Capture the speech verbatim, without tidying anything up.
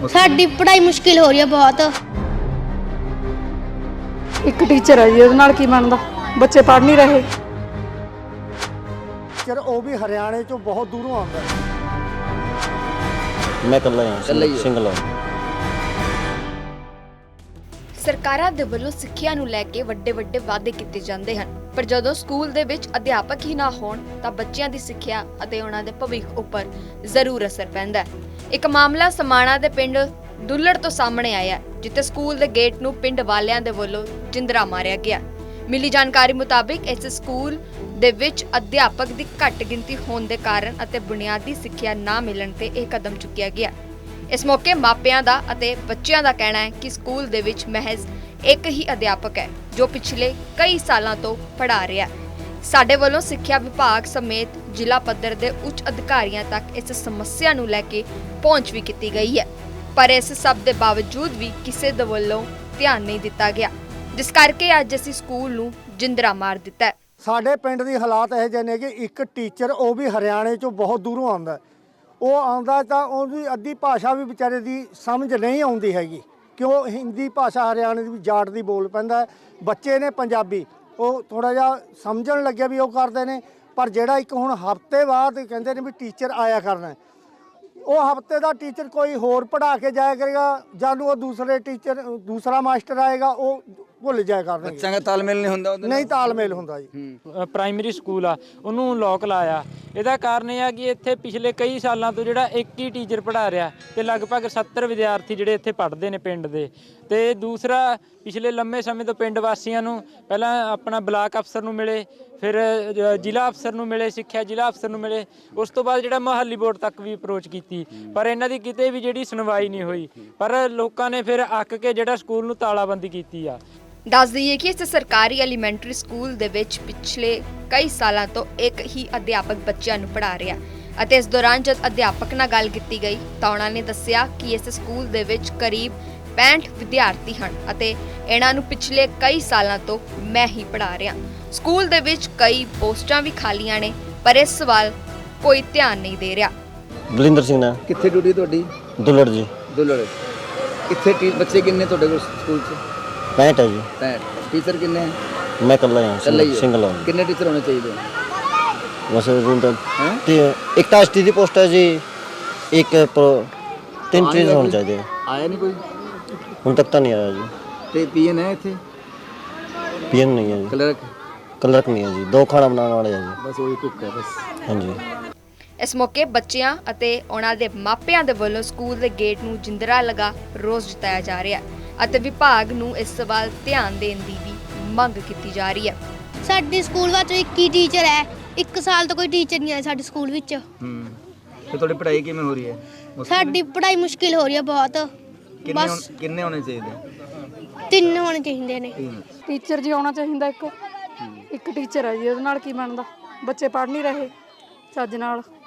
ਸਾਡੀ ਪੜ੍ਹਾਈ ਮੁਸ਼ਕਿਲ ਹੋ ਰਹੀ ਹੈ ਬਹੁਤ। ਇੱਕ ਟੀਚਰ ਹੈ ਜੀ, ਉਹਦੇ ਨਾਲ ਕੀ ਬਣਦਾ, ਬੱਚੇ ਪੜ੍ਹ ਨਹੀਂ ਰਹੇ। ਟੀਚਰ ਉਹ ਵੀ ਹਰਿਆਣੇ ਚੋਂ ਬਹੁਤ ਦੂਰੋਂ ਆਉਂਦਾ। ਮੈਂ ਇਕੱਲਾ ਹਾਂ, ਸਿੰਗਲ ਹਾਂ। ਸਰਕਾਰਾਂ ਦੇ ਵੱਲੋਂ ਸਿੱਖਿਆ ਨੂੰ ਲੈ ਕੇ ਵੱਡੇ ਵੱਡੇ ਵਾਅਦੇ ਕੀਤੇ ਜਾਂਦੇ ਹਨ, ਪਰ ਜਦੋਂ ਸਕੂਲ ਦੇ ਵਿੱਚ ਅਧਿਆਪਕ ਹੀ ਨਾ ਹੋਣ ਤਾਂ ਬੱਚਿਆਂ ਦੀ ਸਿੱਖਿਆ ਅਤੇ ਉਹਨਾਂ ਦੇ ਭਵਿੱਖ ਉੱਪਰ ਜ਼ਰੂਰ ਅਸਰ ਪੈਂਦਾ ਹੈ। ਇੱਕ ਮਾਮਲਾ ਸਮਾਣਾ ਦੇ ਪਿੰਡ ਦੁੱਲੜ ਤੋਂ ਸਾਹਮਣੇ ਆਇਆ, ਜਿੱਥੇ ਸਕੂਲ ਦੇ ਗੇਟ ਨੂੰ ਪਿੰਡ ਵਾਲਿਆਂ ਦੇ ਵੱਲੋਂ ਜਿੰਦਰਾ ਮਾਰਿਆ ਗਿਆ। ਮਿਲੀ ਜਾਣਕਾਰੀ ਮੁਤਾਬਿਕ ਇਸ ਸਕੂਲ ਦੇ ਵਿੱਚ ਅਧਿਆਪਕ ਦੀ ਘੱਟ ਗਿਣਤੀ ਹੋਣ ਦੇ ਕਾਰਨ ਅਤੇ ਬੁਨਿਆਦੀ ਸਿੱਖਿਆ ਨਾ ਮਿਲਣ ਤੇ ਇਹ ਕਦਮ ਚੁੱਕਿਆ ਗਿਆ। ਇਸ ਮੌਕੇ ਮਾਪਿਆਂ ਦਾ ਅਤੇ ਬੱਚਿਆਂ ਦਾ ਕਹਿਣਾ ਹੈ ਕਿ ਸਕੂਲ ਦੇ ਵਿੱਚ ਮਹਿਜ਼ ਇੱਕ ਹੀ ਅਧਿਆਪਕ ਹੈ ਜੋ ਪਿਛਲੇ ਕਈ ਸਾਲਾਂ ਤੋਂ ਪੜ੍ਹਾ ਰਿਹਾ ਹੈ। ਸਾਡੇ ਵੱਲੋਂ ਸਿੱਖਿਆ ਵਿਭਾਗ ਸਮੇਤ ਜ਼ਿਲ੍ਹਾ ਪੱਧਰ ਦੇ ਉੱਚ ਅਧਿਕਾਰੀਆਂ ਤੱਕ ਇਸ ਸਮੱਸਿਆ ਨੂੰ ਲੈ ਕੇ ਪਹੁੰਚ ਵੀ ਕੀਤੀ ਗਈ ਹੈ, ਪਰ ਇਸ ਸਭ ਦੇ ਬਾਵਜੂਦ ਵੀ ਕਿਸੇ ਦੇ ਵੱਲੋਂ ਧਿਆਨ ਨਹੀਂ ਦਿੱਤਾ ਗਿਆ, ਜਿਸ ਕਰਕੇ ਅੱਜ ਅਸੀਂ ਸਕੂਲ ਨੂੰ ਜਿੰਦਰਾ ਮਾਰ ਦਿੱਤਾ ਹੈ। ਸਾਡੇ ਪਿੰਡ ਦੀ ਹਾਲਾਤ ਇਹ ਜਿਹੇ ਨੇ ਕਿ ਇੱਕ ਟੀਚਰ ਉਹ ਵੀ ਹਰਿਆਣੇ ਚੋਂ ਬਹੁਤ ਦੂਰੋਂ ਆਉਂਦਾ। ਉਹ ਆਉਂਦਾ ਤਾਂ ਉਹਦੀ ਅੱਧੀ ਭਾਸ਼ਾ ਵੀ ਵਿਚਾਰੇ ਦੀ ਸਮਝ ਨਹੀਂ ਆਉਂਦੀ ਹੈਗੀ, ਕਿਉਂ ਹਿੰਦੀ ਭਾਸ਼ਾ ਹਰਿਆਣੇ ਦੀ ਜਾਟ ਦੀ ਬੋਲ ਪੈਂਦਾ। ਬੱਚੇ ਨੇ ਪੰਜਾਬੀ, ਉਹ ਥੋੜਾ ਜਿਹਾ ਸਮਝਣ ਲੱਗਿਆ ਵੀ ਉਹ ਕਰਦੇ ਨੇ, ਪਰ ਜਿਹੜਾ ਇੱਕ ਹੁਣ ਹਫ਼ਤੇ ਬਾਅਦ ਕਹਿੰਦੇ ਨੇ ਵੀ ਟੀਚਰ ਆਇਆ ਕਰਨਾ, ਉਹ ਹਫ਼ਤੇ ਦਾ ਟੀਚਰ ਕੋਈ ਹੋਰ ਪੜ੍ਹਾ ਕੇ ਜਾਇਆ ਕਰੇਗਾ, ਜਦ ਉਹ ਦੂਸਰੇ ਟੀਚਰ ਦੂਸਰਾ ਮਾਸਟਰ ਆਏਗਾ ਉਹ ਭੁੱਲ ਜਾਇਆ ਕਰਨਗੇ। ਬੱਚਿਆਂ ਦਾ ਤਾਲਮੇਲ ਨਹੀਂ ਹੁੰਦਾ, ਉਹਦੇ ਨਹੀਂ ਤਾਲਮੇਲ ਹੁੰਦਾ ਜੀ। ਪ੍ਰਾਇਮਰੀ ਸਕੂਲ ਆ ਉਹਨੂੰ ਲੋਕ ਲਾਇਆ, ਇਹਦਾ ਕਾਰਨ ਇਹ ਆ ਕਿ ਇੱਥੇ ਪਿਛਲੇ ਕਈ ਸਾਲਾਂ ਤੋਂ ਜਿਹੜਾ ਇੱਕ ਹੀ ਟੀਚਰ ਪੜ੍ਹਾ ਰਿਹਾ ਤੇ ਲਗਭਗ ਸੱਤਰ ਵਿਦਿਆਰਥੀ ਜਿਹੜੇ ਇੱਥੇ ਪੜ੍ਹਦੇ ਨੇ ਪਿੰਡ ਦੇ। ਤੇ ਦੂਸਰਾ, ਪਿਛਲੇ ਲੰਮੇ ਸਮੇਂ ਤੋਂ ਪਿੰਡ ਵਾਸੀਆਂ ਨੂੰ ਪਹਿਲਾਂ ਆਪਣਾ ਬਲਾਕ ਅਫਸਰ ਨੂੰ ਮਿਲੇ, ਫਿਰ ਜ਼ਿਲ੍ਹਾ ਅਫਸਰ ਨੂੰ ਮਿਲੇ, ਸਿੱਖਿਆ ਜ਼ਿਲ੍ਹਾ ਅਫਸਰ ਨੂੰ ਮਿਲੇ, ਉਸ ਤੋਂ ਬਾਅਦ ਜਿਹੜਾ ਮੁਹੱਲੀ ਬੋਰਡ ਤੱਕ ਵੀ ਅਪਰੋਚ ਕੀਤੀ, ਪਰ ਇਹਨਾਂ ਦੀ ਕਿਤੇ ਵੀ ਜਿਹੜੀ ਸੁਣਵਾਈ ਨਹੀਂ ਹੋਈ। ਪਰ ਲੋਕਾਂ ਨੇ ਫਿਰ ਅੱਕ ਕੇ ਜਿਹੜਾ ਸਕੂਲ ਨੂੰ ਤਾਲਾਬੰਦੀ ਕੀਤੀ ਆ। ਦੱਸ ਦਈਏ ਕਿ ਇਸ ਸਰਕਾਰੀ ਐਲੀਮੈਂਟਰੀ ਸਕੂਲ ਦੇ ਵਿੱਚ ਪਿਛਲੇ ਕਈ ਸਾਲਾਂ ਤੋਂ ਇੱਕ ਹੀ ਅਧਿਆਪਕ ਬੱਚਿਆਂ ਨੂੰ ਪੜ੍ਹਾ ਰਿਹਾ ਅਤੇ ਇਸ ਦੌਰਾਨ ਜਦ ਅਧਿਆਪਕ ਨਾਲ ਗੱਲ ਕੀਤੀ ਗਈ ਤਾਂ ਉਹਨਾਂ ਨੇ ਦੱਸਿਆ ਕਿ ਇਸ ਸਕੂਲ ਦੇ ਵਿੱਚ ਕਰੀਬ ਪੈਂਹਠ ਵਿਦਿਆਰਥੀ ਹਨ ਅਤੇ ਇਹਨਾਂ ਨੂੰ ਪਿਛਲੇ ਕਈ ਸਾਲਾਂ ਤੋਂ ਮੈਂ ਹੀ ਪੜ੍ਹਾ ਰਿਹਾ। ਸਕੂਲ ਦੇ ਵਿੱਚ ਕਈ ਪੋਸਟਾਂ ਵੀ ਖਾਲੀਆਂ ਨੇ, ਪਰ ਇਸ ਵੱਲ ਕੋਈ ਧਿਆਨ ਨਹੀਂ ਦੇ ਰਿਹਾ। ਬਲਿੰਦਰ ਸਿੰਘ ਨਾ। ਕਿੱਥੇ ਡਿਊਟੀ ਤੁਹਾਡੀ? ਦੁੱਲੜ ਜੀ। ਦੁੱਲੜ। ਕਿੱਥੇ ਟੀ ਬੱਚੇ ਕਿੰਨੇ ਤੁਹਾਡੇ ਕੋਲ ਸਕੂਲ 'ਚ? ਪੈਂਹਠ ਹੈ ਜੀ। ਪੈਂਹਠ। ਟੀਚਰ ਕਿੰਨੇ ਹੈ? ਮੈਂ ਇਕੱਲਾ ਹਾਂ, ਸਿੰਗਲ ਹਾਂ। ਕਿੰਨੇ ਟੀਚਰ ਹੋਣੇ ਚਾਹੀਦੇ? ਬਸ ਰੂਲ ਤਾਂ ਇੱਕ ਤਾਂ ਐਸਟੀ ਦੀ ਪੋਸਟ ਹੈ ਜੀ, ਇੱਕ ਤਿੰਨ ਟੀਚਰ ਹੋਣੇ ਚਾਹੀਦੇ। ਆਇਆ ਨਹੀਂ ਕੋਈ ਹੁਣ ਤੱਕ ਤਾਂ ਨਹੀਂ ਆਇਆ ਜੀ। ਤੇ ਪੀਐਨ ਹੈ ਇੱਥੇ? ਪੀਐਨ ਨਹੀਂ ਹੈ ਜੀ। ਕਲਰਕ? ਕਲਰਕ ਨਹੀਂ ਹੈ ਜੀ, ਦੋ ਖਾਣਾ ਬਣਾਉਣ ਵਾਲੇ ਆ ਜੀ। ਬਸ ਉਹੀ ਕੁੱਕ ਹੈ ਬਸ। ਹਾਂਜੀ। ਇਸ ਮੌਕੇ ਬੱਚਿਆਂ ਅਤੇ ਉਹਨਾਂ ਦੇ ਮਾਪਿਆਂ ਦੇ ਵੱਲੋਂ ਸਕੂਲ ਦੇ ਗੇਟ ਨੂੰ ਜਿੰਦਰਾ ਲਗਾ ਰੋਸ ਜਤਾਇਆ ਜਾ ਰਿਹਾ ਹੈ ਅਤੇ ਵਿਭਾਗ ਨੂੰ ਇਸ ਵੱਲ ਧਿਆਨ ਦੇਣ ਦੀ ਵੀ ਮੰਗ ਕੀਤੀ ਜਾ ਰਹੀ ਹੈ। ਸਾਡੇ ਸਕੂਲ ਵਿੱਚ ਇੱਕ ਹੀ ਟੀਚਰ ਹੈ, ਇੱਕ ਸਾਲ ਤੋਂ ਕੋਈ ਟੀਚਰ ਨਹੀਂ ਆਇਆ ਸਾਡੇ ਸਕੂਲ ਵਿੱਚ। ਹੂੰ। ਤੇ ਤੁਹਾਡੀ ਪੜ੍ਹਾਈ ਕਿਵੇਂ ਹੋ ਰਹੀ ਹੈ? ਸਾਡੀ ਪੜ੍ਹਾਈ ਮੁਸ਼ਕਿਲ ਹੋ ਰਹੀ ਹੈ ਬਹੁਤ। ਕਿੰਨੇ ਬਸ ਕਿੰਨੇ ਹੋਣੇ ਚਾਹੀਦੇ? ਤਿੰਨ ਹੋਣੇ ਚਾਹੀਦੇ ਨੇ। ਟੀਚਰ ਜੀ ਆਉਣਾ ਚਾਹੀਦਾ ਇੱਕ। ਇੱਕ ਟੀਚਰ ਹੈ ਜੀ, ਉਹਦੇ ਨਾਲ ਕੀ ਬਣਦਾ, ਬੱਚੇ ਪੜ੍ਹ ਨਹੀਂ ਰਹੇ ਚੱਜ ਨਾਲ।